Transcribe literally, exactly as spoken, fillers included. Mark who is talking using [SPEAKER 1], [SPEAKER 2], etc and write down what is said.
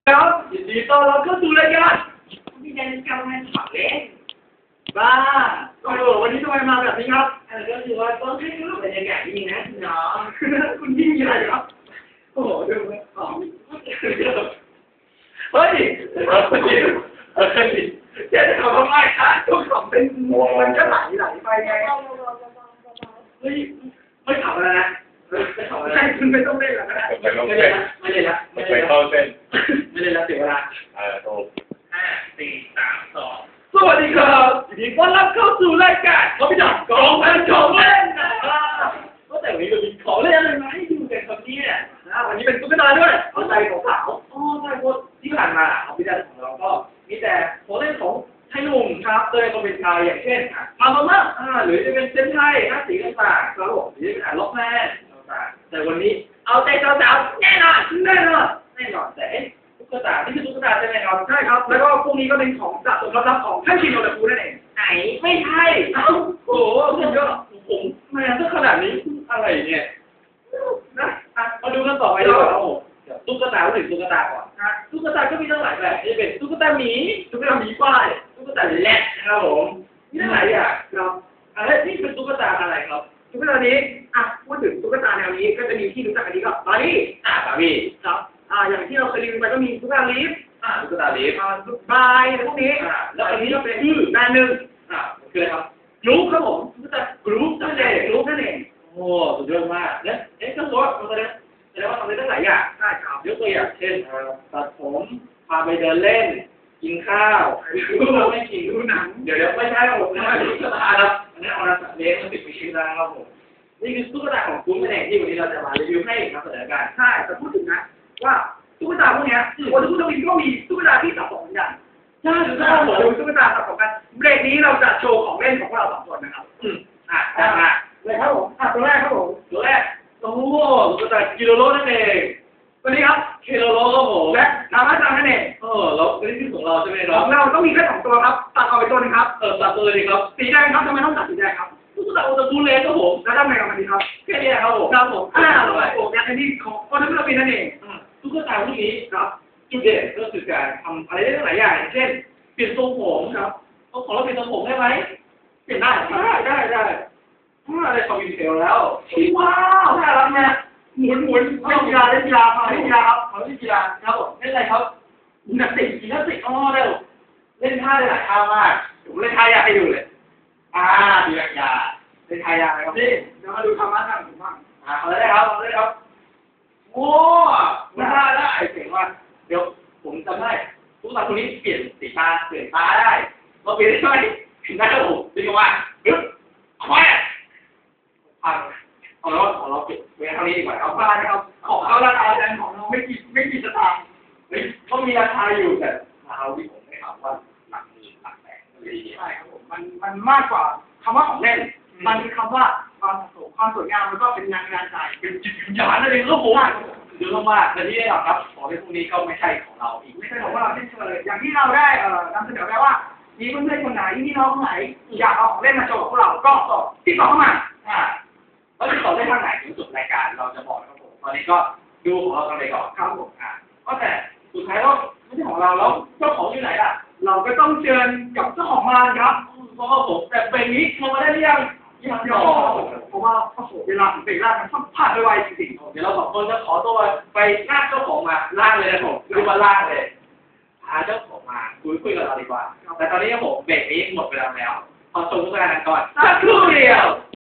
[SPEAKER 1] ครับยินดีต้อนรับเข้าสู่รายการมีการกำลังขับเล่นบ้าโอ้โหวันนี้ทำไมมาแบบนี้ครับเออก็คือว่าต้องให้รูปบรรยากาศดีนะเนาะคุณยิ่งใหญ่ครับโอ้โหดูไหมอ๋อเฮ้ยเฮ้ยเฮ้ยแกจะทำทำไมคะทุกของเป็นมันก็ไหลไหลไปไงเฮ้ยไม่ขับแล้วนะไม่ขับแล้วคุณไม่ต้องเล่นแล้วนะไม่เล่นละไม่เล่นละไม่เล่นละไม่เล่นละเสียเวลาเออถูกห้าสี่สามสองสวัสดีครับยินดีต้อนรับเข้าสู่รายการเขาไปจับกองพันของเล่นนะครับก็แต่วันนี้เรามีของเล่นอะไรมาให้ดูกันครับเนี่ยนะวันนี้เป็นตุ๊กตาด้วยเอาใจของสาวอ๋อใช่เพราะที่ผ่านมาเอาพิจารณาของเราก็มีแต่ของเล่นของไทยหนุ่มครับโดยก็เป็นไทยอย่างเช่นมามาม่าอ่าหรือจะเป็นเซนไทยหน้าสีต่างๆครับผมหรือจะเป็นอ่านล็อกแมนต่างๆแต่วันนี้เอาใจสาวๆแน่นอนแน่นอนแน่นอนแต่ตุ๊กตาที่คือตุ๊กตาใช่ไหมครับใช่ครับแล้วก็พวกนี้ก็เป็นของสะสมลับๆของท่านชินโนดาคุนั่นเองไหนไม่ใช่เอ้าโอ้โหเยอะผมแม่ถ้าขนาดนี้อะไรเนี่ยนะมาดูกันต่อไปดีกว่าครับผมตุ๊กตาถึงตุ๊กตาก่อนนะตุ๊กตาก็มีตั้งหลายแบบจะเป็นตุ๊กตาหมีตุ๊กตาหมีป้ายตุ๊กตาแรดนะครับผมมีตั้งหลายอย่างครับอะไรนี่เป็นตุ๊กตาอะไรครับตุ๊กตานี้อ่ะพูดถึงตุ๊กตาแนวนี้ก็จะมีที่รู้จักกันดีก็บาร์บี้อ่าบาร์บี้ครับอ่าอย่างที่เราเคยรีวิวไปก็มีตุ๊กตาลิฟอ่าตุ๊กตาลิฟอ่าตุ๊กบายอะไรพวกนี้อ่าแล้วอันนี้ก็เป็นชื่อแบรนด์หนึ่งอ่าคืออะไรครับกรุ๊ปครับผมตุ๊กตากรุ๊ปนั่นเองกรุ๊ปนั่นเองโอ้สุดยอดมากเนี่ยเอ๊ะก็รู้ว่ามันจะแสดงว่าทำได้ตั้งหลายอย่างใช่ครับยกตัวอย่างเช่นตัดผมพาไปเดินเล่นกินข้าวไม่กินดูหนังเดี๋ยวเดี๋ยวไม่ใช่ครับผมนะตุ๊กตาครับอันนี้เอาละสัตว์เลี้ยงมันติดไปชิ้นนะครับผมนี่คือตุ๊กตาของกรุ๊ปนั่นเองที่วันนี้เราจะมารีวิวให้ครับเสนอการใช่แต่พูดถึงนะว่าตุ๊กตาพวกนี้วันทุกทวินก็มีตุ๊กตาที่สะสมเหมือนกันใช่ถูกต้องผมดูตุ๊กตาสะสมกันเบรกนี้เราจะโชว์ของเล่นของเราสองคนนะครับอืมอ่ะได้มาเลยครับผมอ่ะตัวแรกครับผมตัวแรกโอ้โหตุ๊กตากิโลโลนั่นเองตัวนี้ครับกิโลโลครับผมและนามาจังนั่นเองเออแล้วนี่คือของเราใช่ไหมครับของเราต้องมีแค่สองตัวครับตัดออกไปตัวนึงครับเออตัดตัวเลยครับสีแดงครับทำไมต้องตัดสีแดงครับตุ๊กตาโอตาคุเลครับผมแล้วทำไงกับมันดีครับแค่นี้ครับผมครับผมอ่าโอ้ยอันนี้ของโอตาคุเลนั่นเองตุ๊กตาพวกนี้ครับจุดเด่นก็คือการทำอะไรได้หลายอย่างเช่นเปลี่ยนทรงผมครับเอาของเราเปลี่ยนทรงผมได้ไหมเปลี่ยนได้ได้ได้ได้ได้คอมพิวเตอร์แล้วว้าวน่ารักนะหมุนหมุนเล่นกีฬาเล่นกีฬาเล่นกีฬาครับเขาเล่นกีฬาครับผมเล่นอะไรครับยิมนาสติกยิมนาสติกอ๋อเร็วเล่นท่าได้หลายท่ามากผมเล่นท่ายากให้ดูเลยอ่าดีแบบยาเล่นท่ายากนะครับนี่เดี๋ยวมาดูธรรมะทางผมบ้างอ่าเอาเลยครับเอาเลยครับโอ้ไม่ได้ได้เก่งมากเดี๋ยวผมจำได้ทุกตาคนนี้เปลี่ยนสีตาเปลี่ยนตาได้เราเปลี่ยนได้ไหมได้ครับผมดีกว่าปึ๊บเอาไปพังเอาแล้วของเราเปลี่ยนเวลาเท่านี้ดีกว่าเอาไปนะครับของเขาราคาแพงของเราไม่กี่ไม่กี่สตางค์ก็มีราคาอยู่แต่ราคาที่ผมไม่ถามว่าหลักหมื่นหลักแสนอะไรอย่างเงี้ยใช่ครับผมมันมันมากกว่าคำว่าของเล่นมันคือคำว่าความสวยความสวยงามมันก็เป็นงานงานใจเป็นจิตวิญญาณนั่นเองครับผมเยอะมากแต่ที่ได้หรอกครับของเล่นพวกนี้ก็ไม่ใช่ของเราอีกไม่ใช่ของเราเช่นเคยอย่างที่เราได้เอ่อนำเสนอไปว่ามีเพื่อนๆคนไหนพี่น้องคนไหนอยากเอาของเล่นมาโชว์พวกเราก็ติดต่อเข้ามาอ่าแล้วติดต่อได้ทางไหนถึงสุดรายการเราจะบอกครับผมตอนนี้ก็ดูของเรากันไปก่อนครับผมอ่าก็แต่สุดท้ายแล้วไม่ใช่ของเราแล้วเจ้าของอยู่ไหนล่ะเราก็ต้องเชิญกับเจ้าของงานครับเพราะว่าผมแต่เป็นนี้โทรมาได้หรือยังยังไม่เพราะว่าโอ้โหเวลาถึงเวลามันต้องผ่านไปไวจริงๆเดี๋ยวเราสองคนจะขอตัวไปลากเจ้าของมาลากเลยนะผมคือมาลากเลยพาเจ้าของมาคุยคุยกับเราดีกว่าแต่ตอนนี้ผมเบรกนี้หมดเวลาแล้วขอชมทุกท่านก่อนสักครู่เดียว